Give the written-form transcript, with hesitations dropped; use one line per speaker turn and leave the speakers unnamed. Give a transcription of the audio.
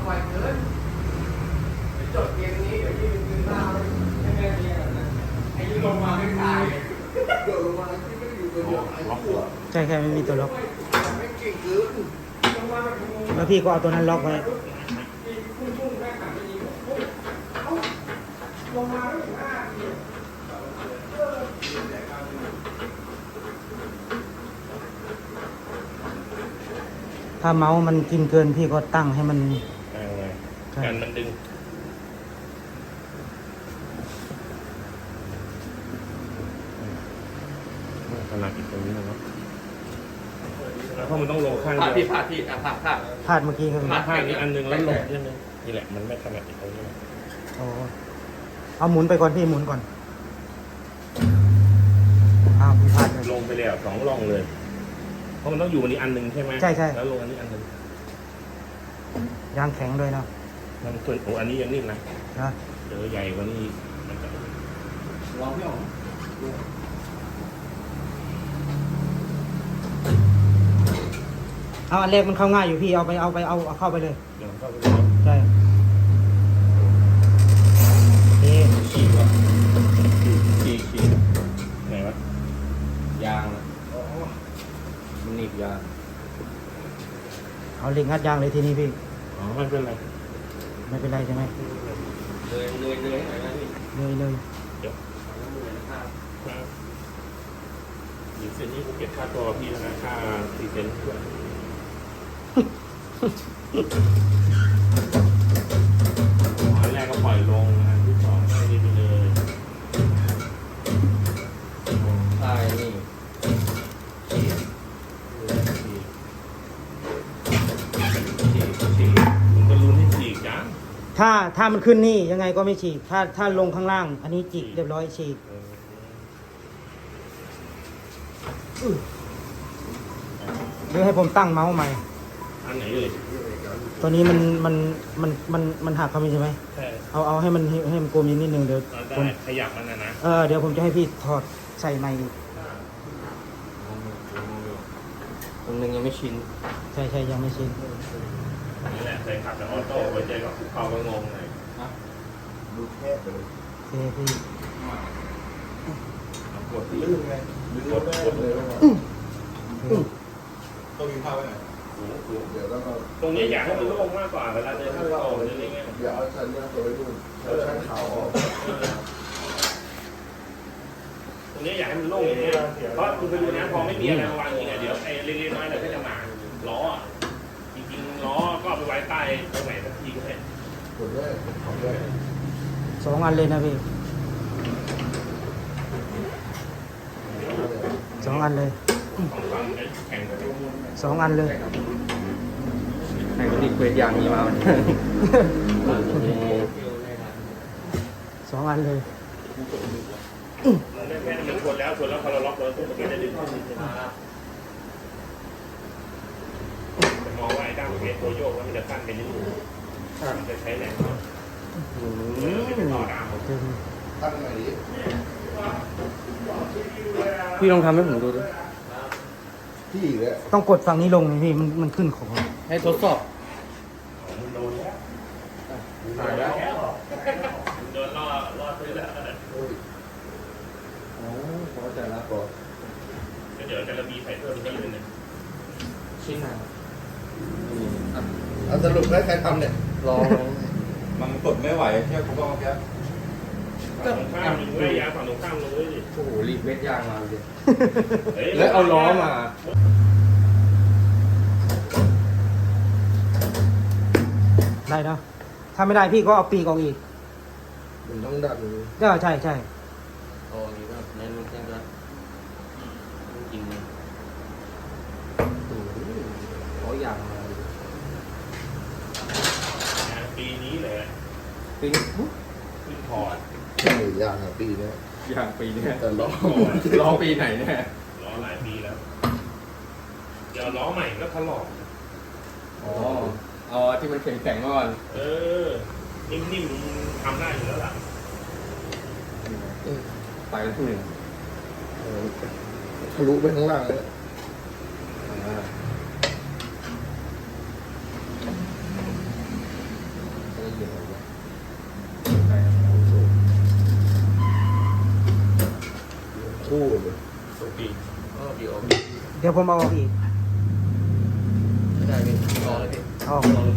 บ่อยเกินจดเกมนี้เดี๋ยวที่เป็นคืนหน้าให้แม่เรียกนะไอ้ยี่ลงมาไม่ตายโดดลงมาที่ไม่ได้อยู่ตัวเดียวไอ้ตัว
ใช่ไม่มีตัวล็อก
ไม่เก่งเกิน
แล้วพี่ก็เอาตัวนั้นล็อกไว้ถ้าเมาส์มันกินเกินพี่ก็ตั้งให้มัน
กันมันดึงขนาดอีกตรงนี้นะครับแล้วเพราะมันต้องลงข้างเดียว
พลาด
พลาดเมื่อกี้ครับ
พลาดนี้อันนึงแล้วลงนิดนึงนี่แหละมันไม่ขนาดอีกตรงนี้
โอ้เอาหมุนไปก่อนพี่หมุนก่อนพี่พลาดเลย
ลงไปแล้ว2 ร่องเลยเพราะมันต้องอยู่อันนี้อันนึงใช่ไหม
ใช่
แล้วลงอันนี้อันนึง
ยางแข็งด้วยเนาะ
มันส่วนโอ้อันนี้ยังนิ่มนะ
นะ
เจอใหญ่กว่านี้มันจะ
ลองไม่ออก
เอาอันแรกมันเข้าง่ายอยู่พี่เอาเข้าไปเลย
เดี๋ยวเข้าไป
ใช่
ขี่วะขี่ไหนวะ
ยางมันหนีบยาง
เอาเหล็กงัดยางเลยทีนี้พี่
อ๋อไม่เป็นไร
ใช่ไหม
เลยให้หน่อยนะพี่
เลย
เดี๋ยวหยิบเส้นนี้กูเก็บค่าตัวพี่นะค่าตีเซนด้วยอันแรกก็ปล่อยลงอันที่2ให้ดีไปเลย
ใช่นี่
ผมก็รู้ที่ฉีกจ้ะ
ถ้ามันขึ้นนี่ยังไงก็ไม่ฉีกถ้าลงข้างล่างอันนี้จิกเรียบร้อยฉีกหรือให้ผมตั้งเมาส์ใหม่
อันไหนเลย
ตัวนี้มันหักเขาไม่ใช่ไหม
ใช่
เอาให้มันกลมนิดนึงเดี๋ยว
ผมขยับมันนะ
เดี๋ยวผมจะให้พี่ถอดใส่ใหม่
ตรงนึงยังไม่ชิน
ใช่ยังไม่ชิน
นี่แหละใส่ขับแต่ออโต้ไปเจอกับเขาก็งงเลย
ดูแคบเลย
พี่
กดลื่นไงกดเลย
ต้องมีผ้าไว้ไหนเดี๋ยวแล้วก็
ตรงนี้อยากให้มันโล่งมากกว่าเวลาเดินเข้าออกอะไรเงี้ย
เดี๋ยวเอาชั้นนี้ตัวไว้ดูชั้นขาวออก
ตรงนี้อยากให้มันโล่งอย่างเงี้ยเพราะคุณไปดูนะพอไม่มีอะไรมาวางอย่างเงี้ยเดี๋ยวไอ้เล็กๆน้อยๆเนี่ยก็จะมาล้อจริงๆล้อก็เอาไปไว้ใต้ตรงไหนสักทีก็ได้
กดด้วยของด้วย
2 อันเลยนะพี่2 อันเลย2 อันเลย
ใครก็รีเควสอย่างนี้มา
2 อันเลย
แค่มันชนแล้วพอเราล็อกเลยมันก็จะดึงขึ้นแต่มองว่าไอ้ด้ามเพชรตัวโยกแล้วมันจะสั้นไปนิดนึงมันจะใช้แรงต่อด้าม
ตั้งไหนดิ
พี่ลองทำให้ผมดูดิ
พี่เลย
ต้องกดฝั่งนี้ลงนี่พี่มันขึ้นของ
ให้ทดสอบ
โดนแล้ว
ตายแล้ว
โดนล่อซื้อแล้ว
โอ้พอใจแล้วก่อน
เดี๋ยวจะระบีใส่เพิ่มอีกนิดนึง
ชิ้นไหนสรุปได้ใครทำเนี่ยลองมันกดไม่ไหวแค่ผมก็แค่
ฝั่งตรงข้ามมึงไม่ยาฝั่งตรงข้ามลงเลยดิ
โอ้โหรีบเวทยางมาเลยแล้วเอาล้อมา
ได้นะถ้าไม่ได้พี่ก็เอาปีกออกอีก
มันต้องดัน
ใช่
โอ้ยแบบเน้นแค่นั้นจริงเลยเขาอยากมา
ปีนี้เลย
ปี
ขึ้นพอร์ต
อย่างปีนี้อย่างปีนี้แต่ล้อปีไหนเนี่ย
ล้อหลายปีแล้วเดี๋ยวล้อใหม่ก็ถลอก
อ๋อที่มันแข็งๆก่อน
นิ่มๆทำได้อยู่แล้วล่ะ
ไปแล้วที่หนึ่งทะลุไปข้างล่างเลยคู่เลย
ตรงปีก
ปีออก
เดี๋ยวผมเอาออกอีก
ไม่ได้พี่ออกเลยพี่
เอาออก
ออก